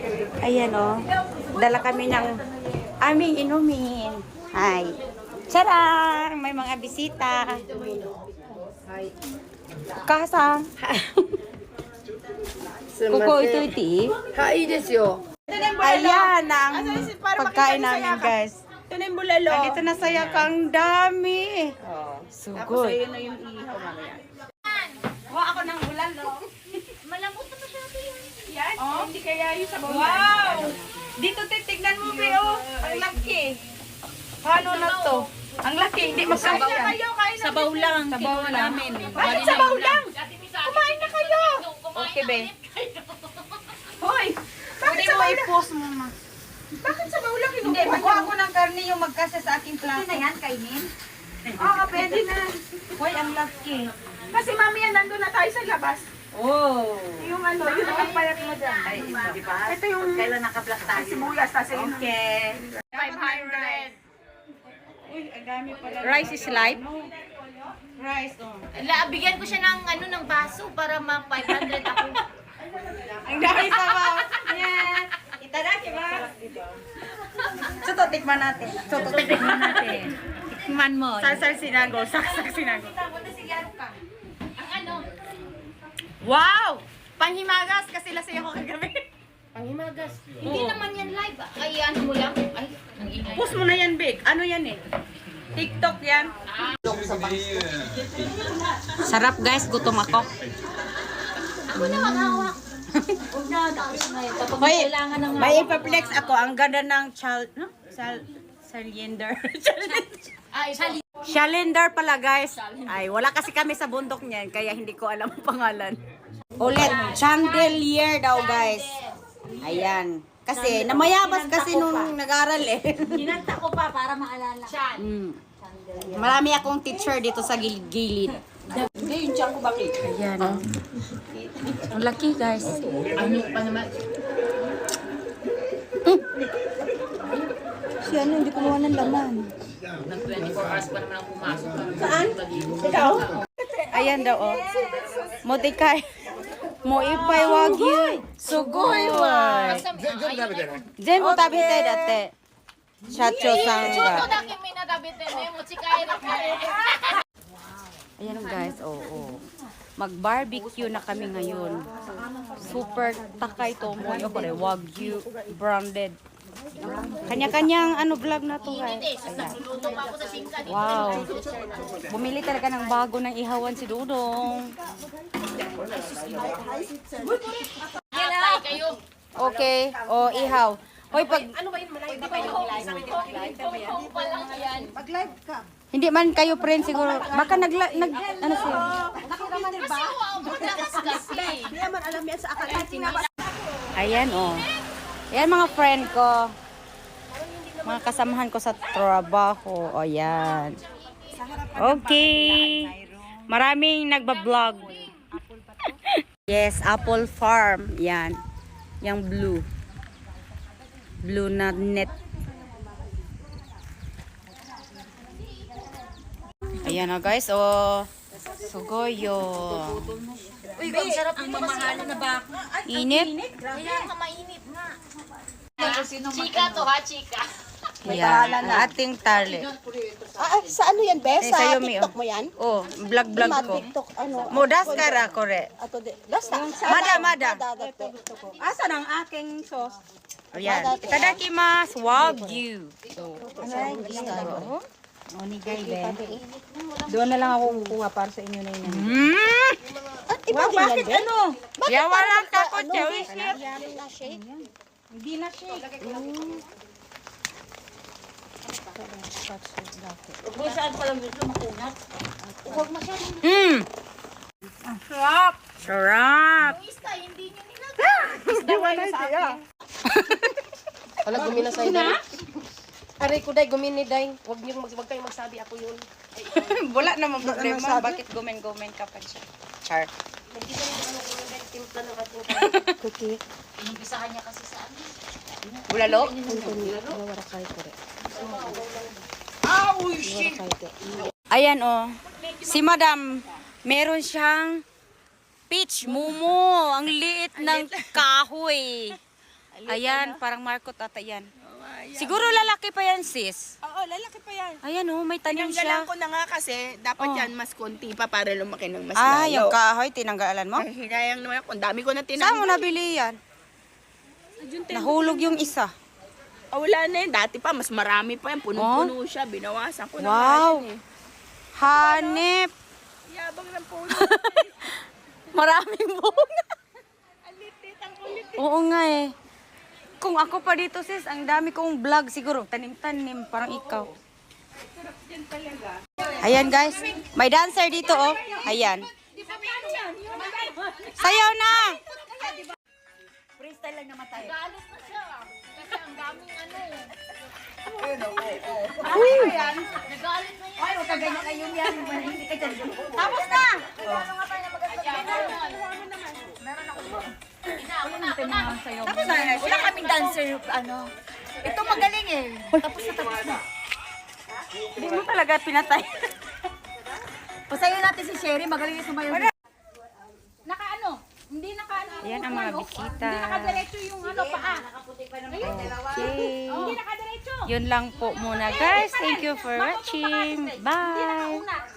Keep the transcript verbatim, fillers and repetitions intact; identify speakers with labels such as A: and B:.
A: Ayan o. Dala kami ng aming inumin. Hi. Charang! May mga bisita. Kasang. Kuko ito iti.
B: Hai desu yo.
A: Ayan ang pagkain namin, guys.
C: Ito na yung bulalo.
A: Andito na saya kang dami.
C: Tapos
A: Sugod.
C: ayun na yung ihaw mamaya.
A: Kuha ako ng bulalo.
D: Malambot na masyado yan.
C: Yan? Oh? Hindi kaya yung sabaw
A: Wow! Dito titignan mo, Beo. Ang laki. Paano na to? Ang laki, hindi
C: Kain
A: masaya.
C: na kayo, kain na.
D: Sabaw lang.
A: Sabaw namin.
C: Bakit sabaw lang? Kumain na kayo.
A: Okay, Be.
C: Hoy! Bakit
A: Pwede mo
C: sabaw lang?
A: i-post mo, ma.
C: Bakit sabaw lang?
A: Hindi, magkuha ako ng karne yung magkasa sa aking plato.
D: na yan, kainin?
C: Oo, pwede na.
A: Hoy, ang laki.
C: Kasi mamaya nandun na tayo sa labas.
A: Oh.
C: Yung ano, yung nakapayat mo dyan.
A: Ay, di ba?
C: Ito yung
A: Kailan naka-black tayo?
C: sibuyas, tas yun.
A: Okay.
C: five hundred.
A: Uy, ang dami pala.
D: Rice is life.
A: Rice, oh.
D: La, bigyan ko siya ng ano ng baso para ma five hundred ako.
A: Ang dami sabaw. Yan. Itadaki ba? Suto, tikman natin. Suto, tikman natin.
D: Tikman mo.
A: Sarsar sinago, saksak sinago.
D: Ang ano?
A: Wow! Panghimagas kasi lasing ako kagabi.
D: Panghimagas. Hindi naman yan live. ah. Ay, ano mo lang? Ay, ang ingay.
A: Post mo na yan, Big. Ano yan eh? TikTok yan. Sarap guys, gutom ako.
D: Ako na maghawak. Huwag na, tapos na yun. Kapag
A: Hoy,
D: kailangan ng
A: may ipa-flex ako. Ang ganda ng child, no? Sal, cylinder.
D: Ay, sali.
A: Cylinder pala guys. Ay, wala kasi kami sa bundok niyan, kaya hindi ko alam ang pangalan. Ulit, chandelier daw guys. Ayan. Kasi namayabas kasi nung nag-aral eh.
D: Kinanta ko pa para maalala.
A: Mm. Marami akong teacher dito sa gilid-gilid.
C: Hindi, yung tiyan ko bakit?
A: Ayan. Oh. Ang laki guys.
D: Ano pa naman?
C: Si ano, hindi kumuha ng laman.
D: Nag twenty-four hours pa naman ang pumasok.
C: Saan? Ikaw?
A: Ayan daw oh. Motikay. Mo ipay wagyu. Sugoy wa. Diyan mo tabi tayo dati. Chacho
D: Chuto
A: sangga.
D: na kimi na dabite ne mo chikay ra ka.
A: Ayan guys, oo. Oh, oh. Mag-barbecue na kami ngayon. Super takay to mo yung kore wagyu branded. Kanya-kanyang ano vlog na to guys.
D: Hindi, sus nagluluto pa ako sa singka dito.
A: Wow. Bumili talaga ng bago ng ihawan si Dudong.
D: Atay kayo.
A: Okay. O, ihaw. Hoy, pag
C: Ano ba yun? Malay ba kayo live?
D: Kung pa lang yan.
C: Mag-live ka.
A: hindi man kayo friend siguro. Baka nag, nag ano siya.
C: Nakiraman din ba?
D: Kasi wow, madalas kasi.
C: Hindi naman alam yan sa akala. Tinabas.
A: Ayan, oh. Ayan mga friend ko. Mga kasamahan ko sa trabaho. O, yan. Okay. Maraming nagbablog. Yes, Apple Farm. Yan. Yang blue. Blue na net. Ayan na guys, oh. Sugoyo.
D: Uy, ang sarap ang mamahalo na ba?
A: Init.
D: Kaya ka mainit nga. Chika to ha, chika.
A: Ayan, ang ating tali.
C: Ah, sa ano yan, Bes?
A: Eh,
C: Sa
A: sa'yo, Mi,
C: TikTok
A: oh.
C: mo yan?
A: Oh, vlog-vlog
C: Ma,
A: ko.
C: TikTok, ano?
A: Modas ka ra, kore.
C: Ato de. Basta.
A: Mada, mada.
C: Asan ang aking sauce?
A: Ayan. Itadakimasu. Wagyu.
C: Doon na lang ako kukuha para sa inyo na yun.
A: Hmm.
C: At iba din yan, Bes?
A: Ano? Yawalan ka ko, Chewy.
C: Yan na shake.
A: Hindi na shake.
D: Kung saan pa lang dito makunat. Huwag masyadong
A: Hmm. Sarap. Sarap.
D: yung ista, hindi nyo nilagay.
B: Wala gumina sa ida. Aray ko day gumini day. Huwag niyo mag wag kayong magsabi ako yun.
A: Wala namang problema. Bakit gumen-gumen ka pa siya? Char.
B: Hindi ko rin ano kung day timpla ng ating
C: Cookie.
D: Inumpisahan niya kasi sa ano.
A: Bulalo?
C: Wala kay ko rin.
A: Ayan oh. Si Madam, meron siyang peach mumu. Ang liit ng kahoy. Ayan, parang Marcot ata yan. Siguro lalaki pa yan, sis.
D: Oo, lalaki pa yan.
A: Ayan oh, may tanim
D: Tinanggalan
A: siya.
D: ko na nga kasi, dapat
A: Oh.
D: yan mas konti pa para lumaki ng mas
A: Ah,
D: lalo.
A: yung kahoy, tinanggalan mo?
D: Ay, hinayang naman ako. Ang dami ko na
A: Saan mo
D: tinanggal.
A: nabili yan? Nahulog yung isa.
D: Oh, wala na yun. Dati pa, mas marami pa yan. Punong-puno siya. Binawasan ko na nga
A: Wow.
D: yun eh.
A: Hanep.
D: Yabang ng puno.
A: Maraming bunga.
D: Alitit, ang ulit.
A: Oo nga eh. Kung ako pa dito sis, ang dami kong vlog siguro. Tanim-tanim, parang ikaw. Ayan guys, may dancer dito oh. Ayan. Sayaw na!
C: Freestyle lang naman tayo.
D: Galit na siya. Kasi ang daming ano eh. Nagalit na yan.
C: Ay, huwag ka ganyan kayo yan. Hindi ka dyan.
A: Tapos na!
C: Tapos na, wala kaming dancer, ano. Ito magaling eh. Tapos na, tapos na.
A: Hindi mo talaga pinatay.
C: Pasayo natin si Sherry, magaling yung sumayo.
D: Naka ano? Hindi naka ano.
A: Ayan ang mga bisita.
D: Hindi nakadiretso yung ano paa.
A: Okay.
D: Hindi nakadiretso.
A: Yun lang po muna guys. Thank you for watching. Bye!
D: Una.